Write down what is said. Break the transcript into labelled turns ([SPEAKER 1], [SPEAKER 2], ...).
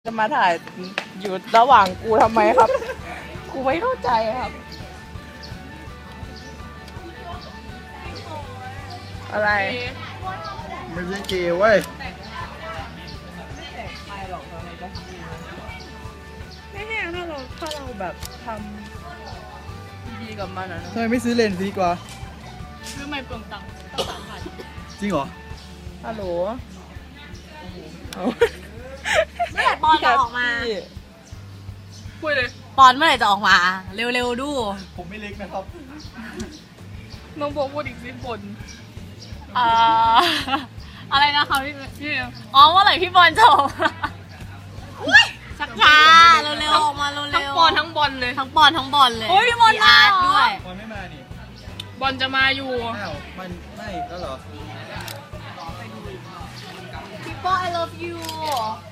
[SPEAKER 1] จะมาถ่ายอยู่ระหว่างกูทำไมครับ กูไม่เข้าใจครับ อะไร
[SPEAKER 2] ไม่ใช่เกย์เว้ย
[SPEAKER 1] ไม่แห้งถ้าเราแบบทำดีกับมันอะนะ
[SPEAKER 2] ทำไมไม่ซื้อเลนส์ดีกว่า
[SPEAKER 3] ซื้อไม่เปลืองตังค์ตั้ง3,000
[SPEAKER 2] จริงเหรอ
[SPEAKER 1] ฮัลโหลเอา
[SPEAKER 4] เมื่อไหร่ปอนจะออกมา
[SPEAKER 1] พี่
[SPEAKER 3] พูดเลย
[SPEAKER 4] ปอนเมื่อไหร่จะออกมา เร็วๆดู
[SPEAKER 2] ผมไม่เล็กนะครับ
[SPEAKER 3] น้องโบพูดอีกสิบน
[SPEAKER 4] อ่าอะไรนะคะพี่อ๋อเมื่อไหร่พี่บอลจะออกมาชักช้าเร็วๆออกมาเร็วๆ
[SPEAKER 3] ทั้งปอนทั้งบอลเลย
[SPEAKER 4] ทั้งปอนทั้งบอลเลย
[SPEAKER 3] โอ้ยพี่บอล
[SPEAKER 4] มีอาร์ต
[SPEAKER 3] มาเหรอ
[SPEAKER 4] ด้วย
[SPEAKER 2] มันไม่มานี่
[SPEAKER 3] บอลจะมาอยู่
[SPEAKER 2] อ้าวมันไม่แล้วเหรอ
[SPEAKER 4] People I love you